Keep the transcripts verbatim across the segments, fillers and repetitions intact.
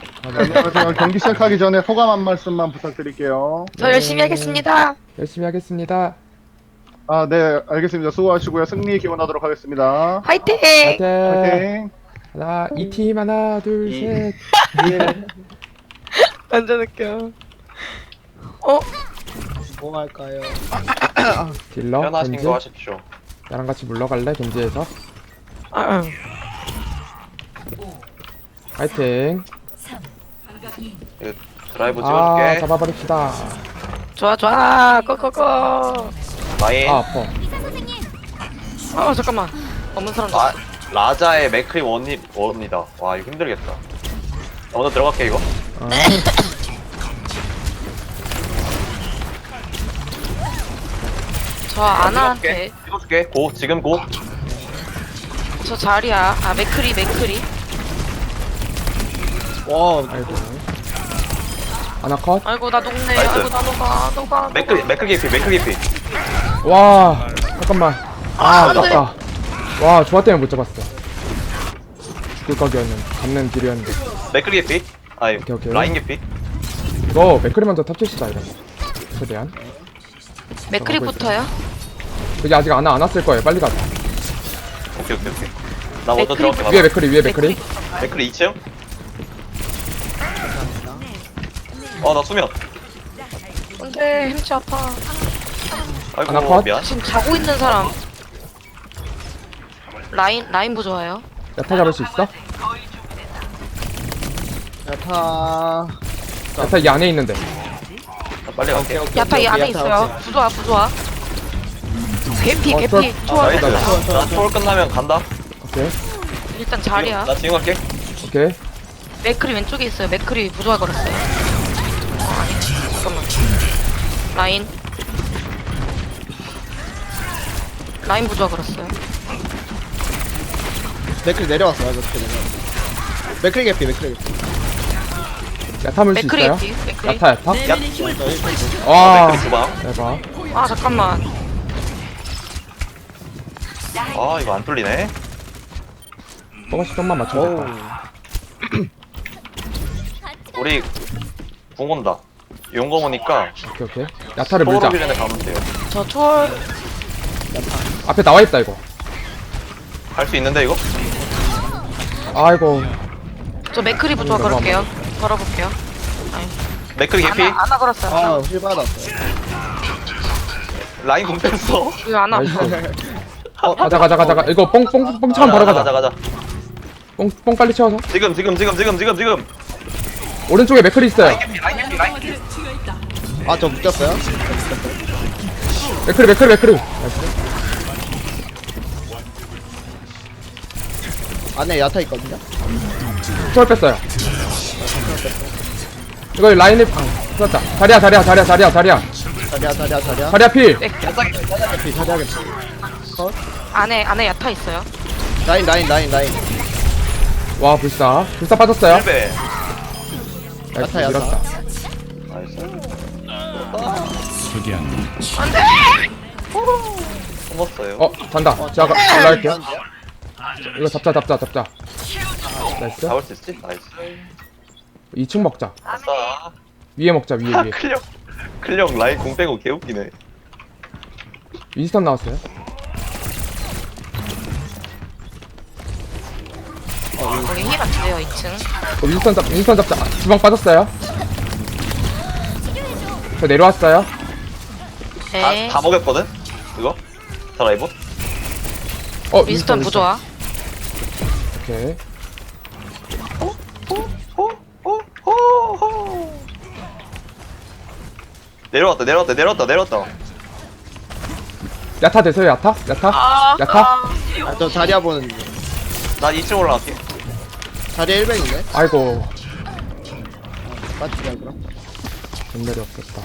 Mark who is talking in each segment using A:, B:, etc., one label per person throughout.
A: 안녕하세요. 경기 시작하기 전에 소감 한 말씀만 부탁드릴게요.
B: 저 열심히 하겠습니다.
C: 열심히 하겠습니다.
A: 아, 네, 알겠습니다. 수고하시고요. 승리 기원하도록 하겠습니다.
B: 화이팅!
C: 파이팅!
A: 파이팅!
C: 하나, 이 팀 하나, 둘,
A: 이.
C: 셋.
A: 예.
B: 완전 웃겨. 어?
D: 뭐 할까요?
C: 딜러,
E: 편하신
C: 겐지.
E: 거 하십시오.
C: 나랑 같이 물러갈래? 겐지에서.
B: 아,
C: 파이팅.
E: 이거 드라이브
C: 아,
E: 찍어줄게.
C: 잡아버립시다.
B: 좋아 좋아. 고고고.
E: 라인.
C: 아, 아파.
B: 어 잠깐만. 없는 사람.
E: 라, 라자의 맥크리 원이, 원이다. 와, 이거 힘들겠다. 나 오늘 들어갈게, 이거.
C: 아,
B: 저 아나한테.
E: 찍어줄게. 고, 지금 고.
B: 저 자리야. 아 맥크리 맥크리.
D: 와,
C: 아이고. 하나 컷.
B: 아이고 나 녹네.
E: 나이스.
B: 아이고 나 녹아 녹아.
E: 맥크리, 맥크리 개피, 맥크리 개피.
C: 와, 잠깐만. 아,
B: 아, 안 돼.
C: 아깝다. 와, 조화 때문에 못 잡았어. 죽을 각이었는데, 잡는 딜이었는데.
E: 맥크리 개피. 아이,
C: 오케이, 오케이.
E: 라인 개피.
C: 이거 맥크리 먼저 탑치시다, 이러면. 최대한.
B: 맥크리부터요?
C: 여기 아직 안, 와- 안 왔을 거예요. 빨리 가자.
E: 오케이, 오케이, 오케이. 나 먼저
B: 맥크리
E: 들어갈게.
C: 위에
E: 봐봐.
C: 맥크리, 위에 맥크리.
E: 맥크리 이 층. 어, 나 수면.
B: 안돼 햄치 아파.
E: 아이고,
C: 하나 컷.
E: 미안.
B: 지금 자고 있는 사람. 라인 라인 부좋아요.
C: 야타 잡을 수 있어?
D: 야타.
C: 야타 이 안에 있는데.
E: 나 빨리 갈게.
B: 야타 이 안에
D: 야타,
B: 있어요.
D: 오케이.
B: 부좋아 부좋아. 개피
C: 어,
B: 개피.
C: 저-
B: 초월.
E: 나이스.
C: 나이스.
E: 나 초월 끝나면 간다.
C: 오케이.
B: 일단 자리야.
E: 나 지금 갈게.
C: 오케이.
B: 맥크리 왼쪽에 있어요. 맥크리 부조화 걸었어요. 어, 아니, 잠깐만. 라인. 라인 부조화 걸었어요.
D: 맥클 내려왔어요, 맥클 내려왔어. 맥클 개피, 맥클 개피.
C: 야타 물 수
B: 맥크리
C: 있어요?
B: 개피. 맥크리.
C: 야타, 야타?
E: 야,
C: 와,
E: 맥크리 주방.
C: 대박.
B: 아 잠깐만.
E: 아, 이거 안 뚫리네.
C: 조금씩 좀만
D: 어우.
C: 맞춰야겠다.
E: 우리 궁 온다. 용검 오니까
C: 오케이, 오케이. 야타를 물자.
E: 포로비 전에 가면 돼요.
B: 저 초월.
C: 앞에 나와있다, 이거.
E: 할 수 있는데 이거?
C: 아이고.
B: 저 맥크리 부조화
C: 음,
B: 걸을게요. 걸어볼게요. 아니.
E: 맥크리 개피.
B: 아나 아나 걸었어요.
D: 아, 힐 받았어.
E: 라인 공 뺐어.
B: 이거 아나.
C: 나이스. 가자, 가자, 가자, 가자. 이거 뽕, 뽕, 뽕 차면 바로 가자.
E: 가자, 가자.
C: 뽕, 뽕 빨리 채워서.
E: 지금, 지금, 지금, 지금, 지금, 지금.
C: 오른쪽에 맥클이 있어요.
E: 라인 개피, 라인 개피, 라인 개피.
D: 아, 저 묶였어요?
C: 맥클이, 맥클이, 맥클이. 나이스.
D: 안에 야타 있거든요?
C: 초월 뺐어요. 이거 라인을, 아, 풀었다. 자리야, 자리야, 자리야, 자리야, 자리야.
D: 자리야, 자리야, 자리야.
C: 자리야, 필.
D: 개피, 자리야, 개피. 컷.
B: 안에 안에 야타 있어요.
D: 라인, 라인, 라인, 라인.
C: 와, 불사. 불사 빠졌어요.
E: 힐베.
C: 나이스,
D: 야타, 야타.
C: 밀었다.
E: 나이스.
B: 안돼.
E: 숨었어요.
C: 어, 잔다. 제가 가- 올라갈게요. 이거 잡자, 잡자, 잡자. 나이스.
E: 잡을 수 있지? 나이스.
C: 이 층 먹자.
E: 아싸.
C: 위에 먹자, 위에, 위에.
E: 클령. 클령 라인 공 빼고 개웃기네.
C: 윈스턴 나왔어요.
B: 거기 힐 안 돼요 이 층.
C: 어, 윈스턴 잡, 윈스턴 잡자. 아, 주방 빠졌어요. 저 내려왔어요.
E: 다,
B: 네.
E: 다 먹였거든? 이거? 드라이브?
C: 어,
B: 미스턴 부조화.
C: 오케이.
E: 내려왔다, 내려왔다, 내려왔다, 내려왔다.
C: 야타 되세요, 야타? 야타?
B: 아,
C: 야타?
D: 아, 저 자리야 보는.
E: 나 이 층 올라갈게.
D: 자리야 일 벤이네?
C: 아이고.
D: 맞지가, 그럼?
C: 전멸이 없었다.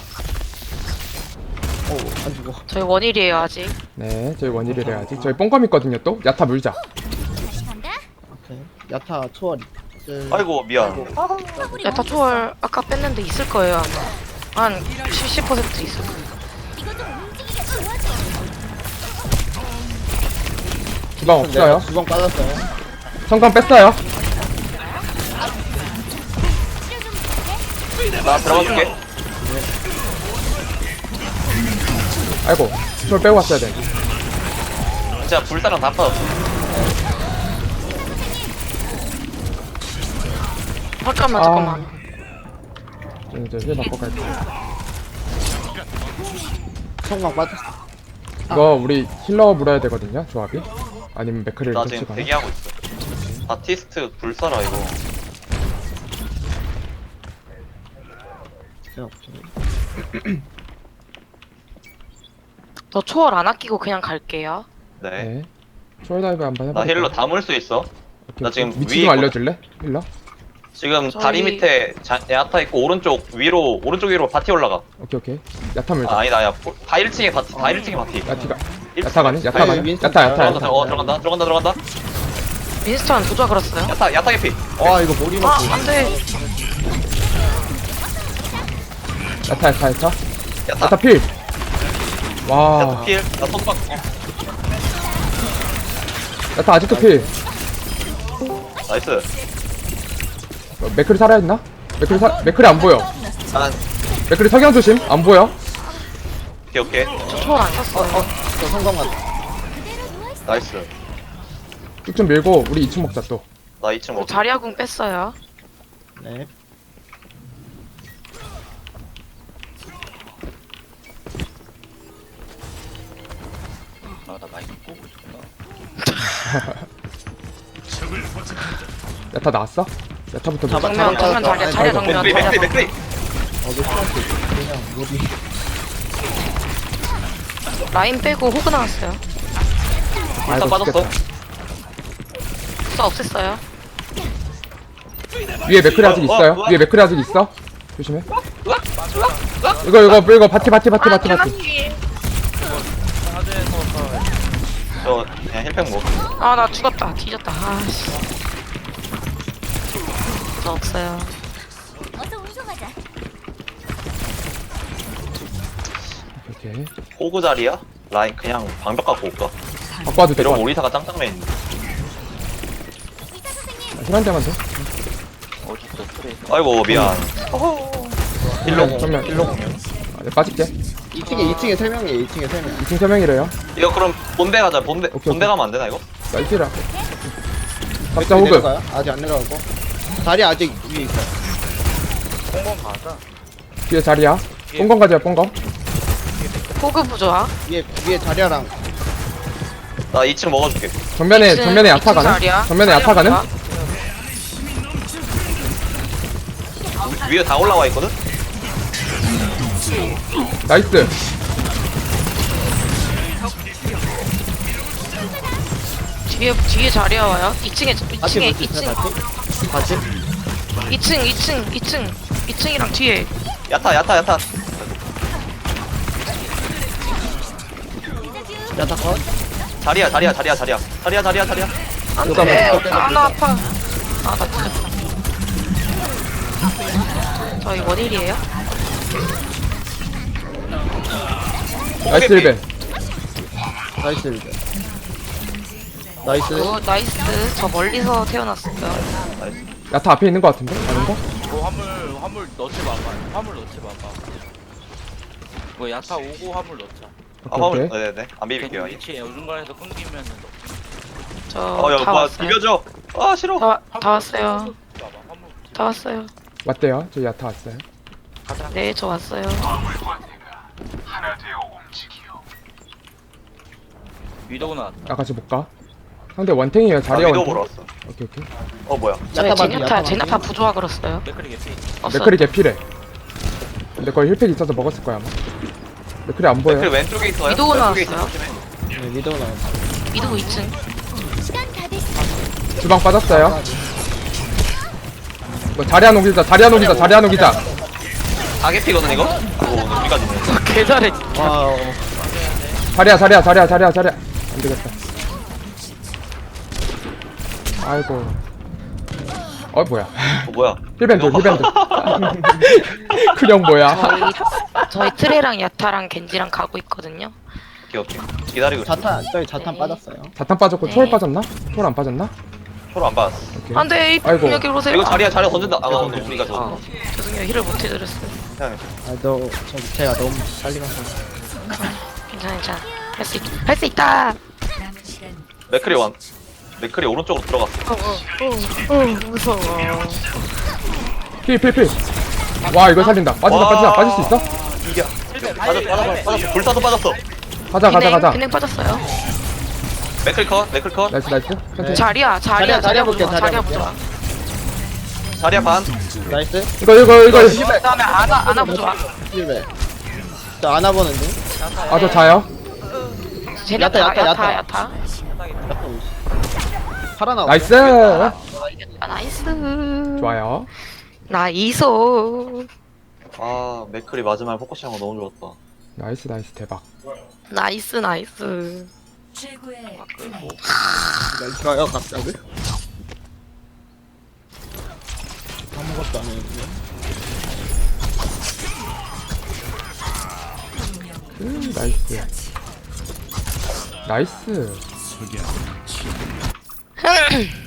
D: 오, 안 죽어.
B: 저희 원일이에요 아직.
C: 네, 저희 원일을 해야지. 저희 뽕검 있거든요, 또? 야타 물자.
D: 오케이. 야타 초월이. 그,
E: 아이고, 미안.
B: 야타 초월 아까 뺐는데 있을 거예요 아마. 한 칠십 퍼센트 있을 거예요.
C: 주방 없어요.
D: 주방 빠졌어요.
C: 성광 뺐어요.
E: 나 들어가줄게.
C: 아이고 쫄 빼고 왔어야 돼.
E: 진짜 불사랑 다 빠졌어.
B: 잠깐만
C: 아.
B: 잠깐만.
C: 좀 이제 힐 바꿔 갈게.
D: 성광 빠졌어.
C: 이거 우리 힐러 물어야 되거든요 조합이. 아니면 맥크리를
E: 나
C: 같이
E: 지금
C: 가나?
E: 대기하고 있어. 바티스트 불사라 이거.
D: 그냥
B: 저 초월 안 아끼고 그냥 갈게요.
E: 네.
C: 네. 초월 다이브 한번 해봐.
E: 나 힐러 담을 수 있어. 나 지금
C: 위치
E: 위에
C: 좀
E: 있거든.
C: 알려줄래? 힐러?
E: 지금
B: 저희-
E: 다리 밑에 자, 야타 있고 오른쪽 위로 오른쪽 위로 바티 올라가.
C: 오케이 오케이. 야타 물자.
E: 아, 아니다 야. 다 일 층에 바티. 다 일 층에 바티.
C: 야티가
E: 일 층.
C: 야타 가네? 야타
D: 아니,
C: 가네?
D: 윈스턴
C: 야타 야타
E: 들어간다.
C: 야타.
E: 어 들어간다. 들어간다 들어간다.
B: 윈스턴 부조화 걸었어요.
E: 야타 야타 개피.
D: 와 이거 머리
B: 아
D: 맞고.
B: 안돼.
C: 야타 야타 야타.
E: 야타.
C: 야타 필.
E: 야타
C: 와.
E: 필. 나 손박. 어,
C: 야타 아직도 필.
E: 나이스.
C: 어, 맥크리 살아있나? 맥크리 사 맥크리 안 보여.
E: 난
C: 맥크리 석양 조심. 안 보여.
E: 오케이 오케이.
B: 저 초월 안 쳤어요.
D: 저 성광 맞.
E: 나이스.
C: 쭉 좀 밀고 우리 이 층 먹자 또.
E: 나 이 층
B: 저
E: 먹.
B: 자리아궁 뺐어요.
D: 네.
C: 야타 나왔어? 야타부터
D: 잡아,
C: 밀자.
B: 정면 정면 자리야 자리야
C: 아이고.
B: 정면
E: 맥크리 맥크리
B: 자리야.
E: 맥크리.
D: 어 맥크리한테 그냥 머리.
B: 라인 빼고 호그 나왔어요.
E: 불사
C: 아이고,
E: 빠졌어.
C: 죽겠다.
B: 써 없앴어요.
C: 위에 맥크리 아직
E: 어, 어,
C: 있어요?
E: 어.
C: 위에 맥크리 아직 있어? 조심해. 이거 이거 이거 바티 바티 바티 바티 바티.
E: 저 그냥 힐팩 먹.
B: 아나 죽었다. 뒤졌다. 아씨. 저 없어요.
C: 오케이.
E: 호구 자리야? 라인 그냥 방벽 갖고 올까?
C: 바꿔도 돼.
E: 이러면 오리사가 짱짱맨 있는데.
C: 힐한 대만 돼.
E: 아이고 미안. 일로
C: 네, 정면.
E: 일로 공연.
C: 아, 네, 빠질게.
D: 이 층에 이 층에 세 명이에요. 이 층에 세 명.
C: 이 층 세 명이래요.
E: 이거 그럼 본대 가자. 본대
C: 오케이,
E: 본대
C: 오케이.
E: 가면 안 되나 이거?
C: 나이스라. 잡자 호그.
D: 내려가요? 아직 안 내려가고. 다리 아직 위에 있어.
C: 뒤에 자리야. 뽕검 가자 뽕검.
B: 호그 부조화.
D: 위에 위에 다리아랑
E: 나 이 층 먹어줄게.
C: 정면에
B: 이층,
C: 정면에 야타
B: 이층
C: 가는?
B: 자리야.
C: 정면에 야타
B: 자리야
C: 가는?
B: 부조화.
E: 위에 다 올라와 있거든?
C: 나이스.
B: 뒤에 뒤에 자리야 와요. 이 층에 이
D: 같이
B: 층에
D: 볼수
B: 이
D: 있어요?
B: 층
D: 같이? 같이?
B: 이 층 이 층 이 층 이 층이랑 뒤에.
E: 야타 야타 야타.
D: 야타 컷?
E: 자리야 자리야 자리야 자리야 자리야 자리야 자리야.
B: 안돼. 아나 아파. 아나 진짜. 저희 원일이에요?
C: 나이스 일벤.
D: 나이스 일대. 나이스.
B: 오 나이스. 저 멀리서 태어났어요.
C: 야타 앞에 있는 거 같은데? 아닌가?
F: 뭐 화물 화물 넣지 마봐. 화물 넣지 마봐. 뭐 야타 오고 화물 넣자.
E: 아
C: 오케이
E: 화물
C: 오케이.
E: 네네 안 비빌게요.
F: 위치에 중간에서 끊기면은 넣.
E: 어야
B: 저다
E: 뭐
B: 왔어요.
E: 비벼줘. 아 싫어.
B: 다, 와- 다 왔어요.
F: 봐봐 화물.
B: 다 왔어요.
C: 왔대요. 저 야타 왔어요.
F: 가자.
B: 네, 저 왔어요.
F: 위도우 나왔다.
C: 아 같이 못 가. 상대 원탱이에요.
E: 나
C: 자리야
E: 위도
C: 원탱.
E: 보러 왔어.
C: 오케이 오케이.
E: 어 뭐야?
B: 저희
D: 야타만,
B: 제냐타
D: 야타만.
B: 제냐타 부조화 걸었어요.
F: 맥크리 개피.
B: 없어.
C: 맥크리 개피래. 근데 거의 힐팩 있어서 먹었을 거야 아마. 맥크리 안 보여.
E: 그 왼쪽에 있어요.
B: 위도우
E: 왼쪽에 있어.
B: 나왔어요.
E: 조심해.
D: 네, 미도우 나왔어.
B: 미드고 이 층.
C: 주방 빠졌어요. 뭐 자리야 녹이자. 자리야 녹이자. 자리야 녹이자.
E: 다개피거든 이거? 오 우리가 죽네.
B: 개잘해.
D: 와. 어.
C: 자리야 자리야 자리야 자리야 자리야. 안 되겠다. 아이고. 어 뭐야?
E: 어 뭐야?
C: 힐밴드 힐밴드. 그냥 뭐야?
B: 저희 저희 트레랑 야타랑 겐지랑 가고 있거든요.
E: 오케이 오케이. 기다리고 있어.
D: 자탄 저희 자탄
B: 네.
D: 빠졌어요.
C: 자탄 빠졌고
B: 네.
C: 초월 빠졌나? 초월 안 빠졌나?
E: 초로 안 받았어.
C: 오케이.
B: 안돼
C: 아이고.
B: 여기 오세요.
E: 이거 자리야 자리야 던진다. 아 근데 우리가
B: 아,
E: 저
B: 죄송해요 힐을 못 해드렸어요.
E: 그냥
D: 아너 저기 제가 너무 빨리 가서
B: 괜찮아 괜찮아. 할 수 있, 할 수 있다.
E: 맥크리 원. 맥크리 오른쪽으로 들어갔어.
B: 어어어 무서워.
C: 필, 필, 필. 와, 이거 살린다. 빠진다,
E: 와.
C: 빠진다. 빠질 수 있어?
E: 이겨. 빠졌어 빠졌어 빠졌어. 불타도 빠졌어.
C: 가자, 가자, 가자.
B: 비냉 빠졌어요.
E: 맥크리 컷 맥크리 컷.
C: 나이스, 나이스. 천천히.
B: 자리야 자리야
D: 자리야, 자리야 볼게,
B: 보자,
D: 자리야
B: 자리야
D: 볼게.
B: 보자.
E: 자리야 반.
D: 나이스.
C: 이거, 이거, 이거.
B: 그다음에 아나 아나 보자.
D: 힐베. 저 안아보는 중.
C: 아, 저 자요?
B: 쟤네
D: 야타,
B: 야타
D: 야타,
B: 야타
D: 야타.
B: 야타.
D: 살아나와.
C: 나이스.
B: 아 나이스.
C: 좋아요.
B: 나이소.
E: 아 맥크리 마지막에 포커싱한 거 너무 좋았다.
C: 나이스, 나이스. 대박.
B: 나이스 나이스.
G: 최고의
D: 나이스가요 갑자기? 아무것도 안 했는데.
C: 음, 나이스. 나이스.